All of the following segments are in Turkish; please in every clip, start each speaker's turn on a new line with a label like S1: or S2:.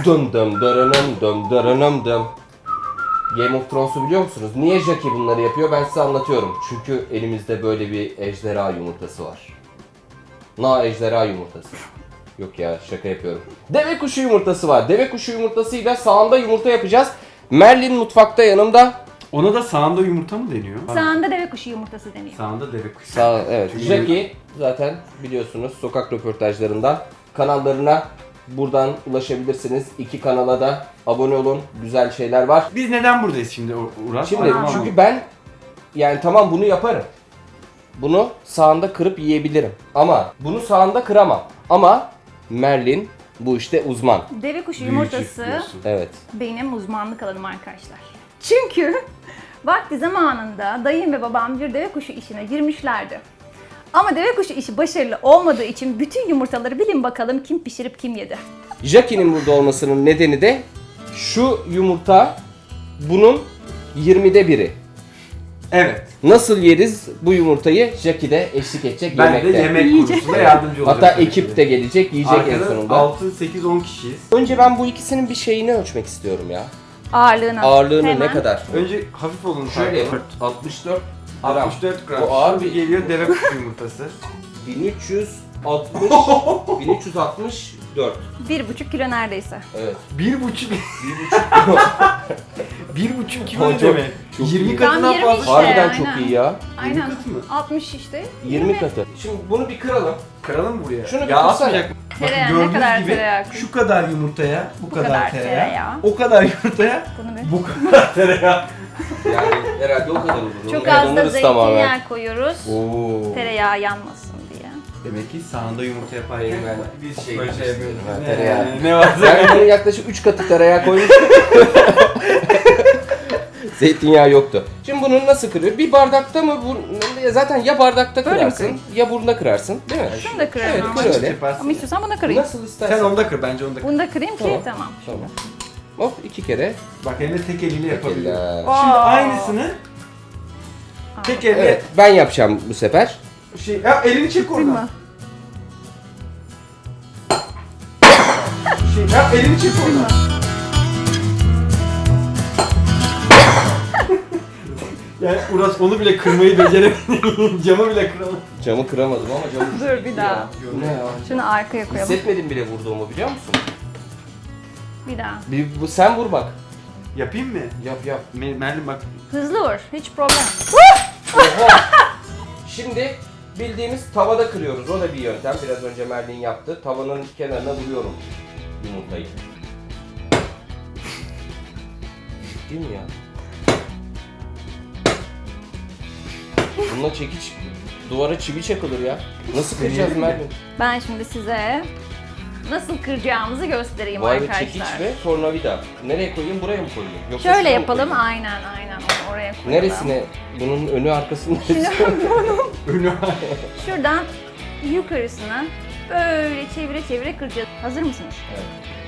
S1: Dum dum daranım dum daranım dum. Game of Thrones'u biliyor musunuz? Niye Jackie bunları yapıyor? Ben size anlatıyorum. Çünkü elimizde böyle bir ejderha yumurtası var. Ejderha yumurtası. Yok ya, şaka yapıyorum. Deve kuşu yumurtası var. Deve kuşu yumurtasıyla sağında yumurta yapacağız. Merlin mutfakta yanımda.
S2: Ona da sağında yumurta mı deniyor?
S3: Sağında deve kuşu yumurtası deniyor.
S2: Sağında deve kuşu.
S1: Evet. Jackie zaten biliyorsunuz sokak röportajlarından kanallarına buradan ulaşabilirsiniz. 2 kanala da abone olun. Güzel şeyler var.
S2: Biz neden buradayız şimdi Uras?
S1: Şimdi
S2: Anlamam.
S1: çünkü ben yani tamam bunu yaparım. Bunu sağında kırıp yiyebilirim. Ama bunu sağında kıramam. Ama Merlin bu işte uzman.
S3: Deve kuşu
S2: Büyücü
S3: yumurtası
S2: diyorsun.
S1: Evet.
S3: benim uzmanlık alanım arkadaşlar. Çünkü vakti zamanında dayım ve babam bir deve kuşu işine girmişlerdi. Ama deve kuşu işi başarılı olmadığı için bütün yumurtaları bilin bakalım kim pişirip kim yedi.
S1: Jackie'nin burada olmasının nedeni de şu yumurta bunun 20'de biri.
S2: Evet.
S1: Nasıl yeriz bu yumurtayı? Jackie de eşlik edecek
S2: Ben
S1: yemekte.
S2: de yemek
S3: Yiyecek.
S2: konusunda yardımcı olacağım.
S1: Hatta ekip de gelecek, yiyecek en
S2: Arkada
S1: sonunda.
S2: 6, 8, 10 kişiyiz.
S1: Önce ben bu ikisinin bir şeyini ölçmek istiyorum ya.
S3: Ağırlığını.
S1: Ağırlığını
S3: Hemen.
S1: ne kadar?
S2: Önce hafif olun.
S1: Şöyle
S2: tartalım.
S1: 64 gram.
S2: 64 gram.
S1: Bu ağır
S2: Şimdi
S1: bir
S2: geliyor deve kuşu yumurtası.
S1: 1364.
S3: 1,5 kilo neredeyse.
S1: Evet.
S2: 1,5 1,5 kilo ne
S1: Çok-
S2: demek?
S1: çok
S2: 20
S1: iyi.
S2: katından
S3: Tam 20
S2: fazla.
S3: işte.
S1: Harbiden
S3: aynen.
S1: çok iyi ya.
S3: Aynen.
S2: katı mı?
S3: 60 işte.
S1: 20 katı. Şimdi bunu bir kıralım.
S2: Kıralım mı buraya?
S1: Şunu bir
S2: ya
S1: kırsana.
S2: atmayacak mı?
S3: Tereyağı, ne
S2: gördüğünüz
S3: kadar
S2: gibi
S3: tereyağı?
S2: şu kadar yumurtaya, bu kadar
S3: kadar
S2: tereyağı,
S3: tereyağı.
S2: o kadar yumurtaya,
S3: Bunu bir.
S2: bu kadar tereyağı.
S1: Yani herhalde o kadar olur.
S3: Çok az da
S1: Yanılırız
S3: zeytinyağı
S1: tamamen.
S3: koyuyoruz.
S2: Oo.
S3: Tereyağı yanmasın diye.
S2: Demek ki sağında yumurta yaparken
S1: Ben
S2: biz
S1: şey
S2: böyle şey yapıyoruz.
S1: istiyorum, ha, tereyağı.
S2: Ne varsa.
S1: Yani bunun yaklaşık 3 katı tereyağı koymuş. Zeytinyağı yoktu. Şimdi bunu nasıl kırıyor? Bir bardakta mı? Zaten ya bardakta
S3: Böyle mi
S1: kırarsın
S3: kırayım?
S1: ya burnuna kırarsın. Değil mi?
S3: Şunu da kırarım
S1: Evet,
S3: ama.
S1: kır öyle.
S3: Ama istiyorsan bunu kırayım.
S1: Nasıl istersen.
S2: Sen onda kır, bence onda kır.
S3: Bunu da kırayım ki tamam.
S1: Tamam. Hop 2 kere.
S2: Bak hem de tek eliyle yapabiliyor.
S1: Eller.
S2: Şimdi
S3: Aa.
S2: aynısını tek elle
S1: Evet, ben yapacağım bu sefer.
S2: ya elini çek
S3: Kırma.
S2: oradan. Ya elini çek oradan. Yani Uras onu bile kırmayı beceremedi. Camı bile kıramadı.
S1: Camı kıramadım ama camı...
S3: Dur bir daha.
S1: Bu ne ya?
S3: Şunu arkaya koyalım.
S1: Hissetmedim bile vurduğumu biliyor musun?
S3: Bir daha.
S1: Sen vur bak.
S2: Yapayım mı?
S1: Yap.
S2: Merlin bak.
S3: Hızlı vur. Hiç problem.
S1: Oha! Şimdi bildiğimiz tavada kırıyoruz. O da bir yöntem. Biraz önce Merlin yaptı. Tavanın kenarına vuruyorum yumurtayı. Değil mi ya? Bununla çekiç duvara çivi çakılır ya. Nasıl kıracağız
S2: Deneyelim mi?
S1: Merlin?
S3: Ben şimdi size nasıl kıracağımızı göstereyim
S1: Vay be,
S3: arkadaşlar.
S1: çekiç ve tornavida. Nereye koyayım? Buraya mı koyayım? Yoksa
S3: Şöyle
S1: şuraya mı
S3: yapalım.
S1: koyayım?
S3: Aynen. Onu oraya koyalım.
S1: Neresine? Bunun önü arkasında.
S2: Önü
S3: Şuradan yukarısına böyle çevire kıracağız. Hazır mısınız?
S1: Evet.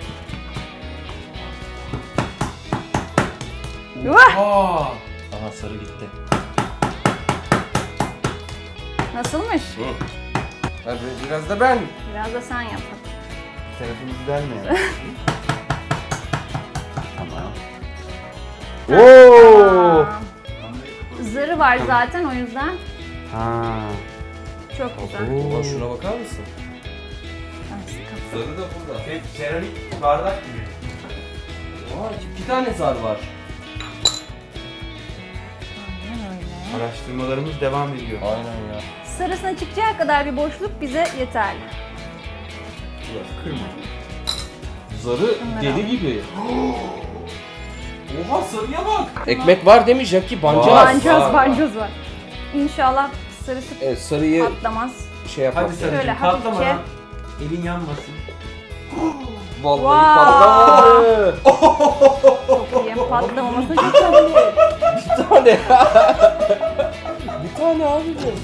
S3: Vah!
S1: Aha sarı gitti.
S3: Nasılmış?
S1: Hadi biraz da ben.
S3: Biraz da sen yap.
S2: Tarafımızı delme. Tamam.
S1: Oo!
S3: Aa, Zarı var zaten o yüzden
S2: Ha.
S3: çok güzel.
S1: Ulan şuna bakar mısın?
S3: Ay, sıkı.
S1: Zarı da burada.
S2: Seramik bardak gibi.
S1: Vay, 2 tane zar var.
S3: Aynen öyle.
S2: Araştırmalarımız devam ediyor.
S1: Aynen ya.
S3: Sarısına çıkacağı kadar bir boşluk bize yeterli.
S2: Kırma.
S1: Zarı
S3: Bunları
S1: deli
S3: al.
S1: gibi. Oha sarıya bak. Ekmek var değil mi Jackie? Bancaz.
S2: Var.
S3: Bancoz var. İnşallah sarısı
S1: Evet sarıyı
S3: patlamaz.
S1: şey yapmak.
S2: Hadi
S3: Şöyle
S2: sarıcım
S3: hafifçe.
S2: patlamadan. Elin yanmasın.
S1: Vallahi
S3: Wow.
S1: patlamadı.
S3: Çok iyi. Patlamamasına çok iyi.
S1: Bir tane. Bir tane abicim.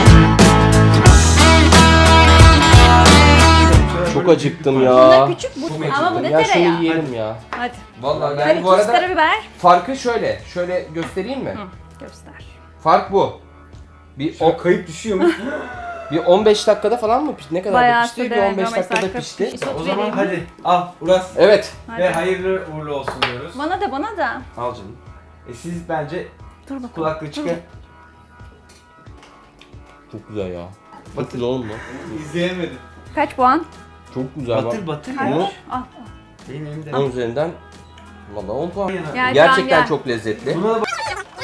S1: Çok acıktım ya.
S3: Bunlar küçük, bu
S2: çok
S3: Ama bu
S2: acıktım.
S3: ne
S1: Ya şunu
S3: tereyağı?
S1: yiyelim ya.
S3: Hadi.
S1: Vallahi
S3: Hadi
S1: yani bu
S3: tuz,
S1: arada
S3: karabiber.
S1: farkı şöyle. Şöyle göstereyim mi?
S3: Hı, göster.
S1: Fark bu. Bir,
S2: O kayıp düşüyor mu?
S1: bir 15 dakikada falan mı pişti? Ne kadar
S3: Bayağı
S1: pişti? Bir
S3: sürdü,
S1: 15
S3: 15
S1: dakikada
S3: dakika
S1: pişti.
S3: pişti.
S2: O zaman
S3: vereyim mi?
S2: hadi al Uras.
S1: Evet.
S3: Hadi.
S2: Ve hayırlı uğurlu olsun diyoruz.
S3: Bana da bana da.
S2: Al canım. Siz bence
S3: Dur bakalım.
S2: kulaklığı çıkın.
S1: Çok güzel ya. Çok güzel oğlum bu.
S2: İzleyemedim.
S3: Kaç puan?
S1: Çok güzel.
S2: Batır batır
S3: Kaç?
S1: Bunu-
S2: ya.
S3: Al.
S2: Benim elimde.
S1: 10 üzerinden valla 10 puan.
S3: Gel,
S1: Gerçekten
S3: gel.
S1: çok lezzetli.
S2: Buna da bak.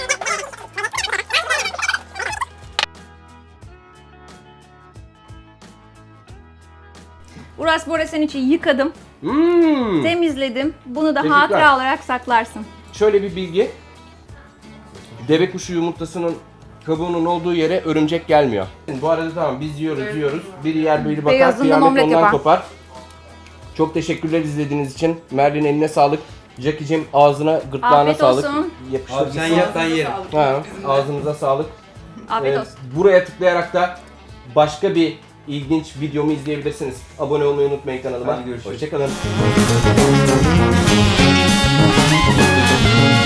S3: Uras Bora senin için yıkadım,
S1: Hmm.
S3: temizledim. Bunu da
S1: Teşekkürler.
S3: hatıra olarak saklarsın.
S1: Şöyle bir bilgi. Deve kuşu yumurtasının kabuğunun olduğu yere örümcek gelmiyor. Bu arada tamam biz yiyoruz. Biri yer biri bakar,
S3: Beyazından
S1: kıyamet
S3: omlet
S1: ondan
S3: yapar.
S1: kopar. Çok teşekkürler izlediğiniz için. Merlin eline sağlık. Jackie'cim ağzına, gırtlağına
S3: Afiyet
S1: sağlık.
S3: olsun.
S1: Yapıştır.
S2: Abi sen yap ben yerim.
S1: Ha, ağzınıza sağlık.
S3: Afiyet
S1: Ee,
S3: olsun.
S1: Buraya tıklayarak da başka bir ilginç videomu izleyebilirsiniz. Abone olmayı unutmayın kanalıma.
S2: Hadi görüşürüz.
S1: Hoşçakalın.